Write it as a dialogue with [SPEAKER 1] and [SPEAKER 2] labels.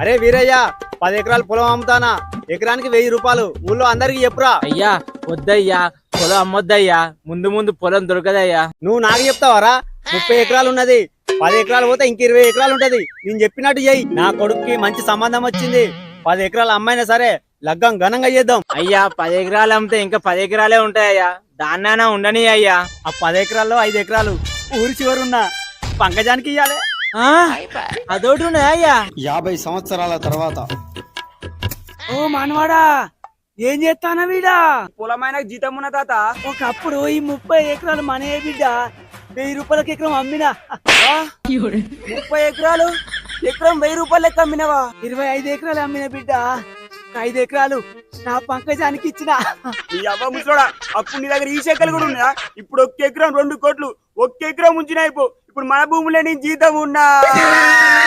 [SPEAKER 1] అరే వీరయ్య 10 ఎకరాలు పొలం అమ్ముతానా, ఎకరానికి 1000 రూపాయలు ఊళ్ళో అందరికి చెప్పురా.
[SPEAKER 2] అయ్యా వద్దయ్యా, పొలం అమ్మొద్దయ్యా, ముందు ముందు పొలం దొరకదయ్యా.
[SPEAKER 1] నువ్వు నాకు చెప్తావారా? 30 ఎకరాలు ఉన్నది, 10 ఎకరాలు పోతే ఇంక 20 ఎకరాలు ఉంటది. నేను చెప్పినట్టు చెయ్యి. నా కొడుక్కి మంచి సంబంధం వచ్చింది, 10 ఎకరాలు అమ్మైనా సరే లగ్గం ఘనంగా చేద్దాం.
[SPEAKER 2] అయ్యా 10 ఎకరాలు అమ్మితే ఇంకా 10 ఎకరాలే ఉంటాయ్యా, దాన్నైనా ఉండని అయ్యా.
[SPEAKER 1] ఆ 10 ఎకరాల్లో 5 ఎకరాలు ఊరి చివరున్న పంకజానికి ఇయ్యాలి.
[SPEAKER 2] అదొకటి ఉన్నాయా?
[SPEAKER 1] 50 సంవత్సరాల తర్వాత.
[SPEAKER 3] ఓ మనవాడా, ఏం చేస్తానా వీడా?
[SPEAKER 4] పొలమైన జీతం ఉన్న తాత.
[SPEAKER 3] ఒకప్పుడు ఈ 30 ఎకరాలు మనయే బిడ్డ, 1000 రూపాయలకి ఎకరం అమ్మినా.
[SPEAKER 4] 30 ఎకరాలు ఎకరం 1000 రూపాయలు లెక్క అమ్మినవా?
[SPEAKER 3] 25 ఎకరాలు అమ్మిన బిడ్డ, 5 ఎకరాలు నా పంకజానికి ఇచ్చిన.
[SPEAKER 4] ఈ అవ్వ ముసలోడా, అప్పుడు నీ దగ్గర ఈ చెక్కలు కూడా ఉన్నాయా? ఇప్పుడు 1 ఎకరం 2 కోట్లు, 1 ఎకరం ఉంచిన అయిపో. ఇప్పుడు మన భూములే నీ జీతం ఉన్నా.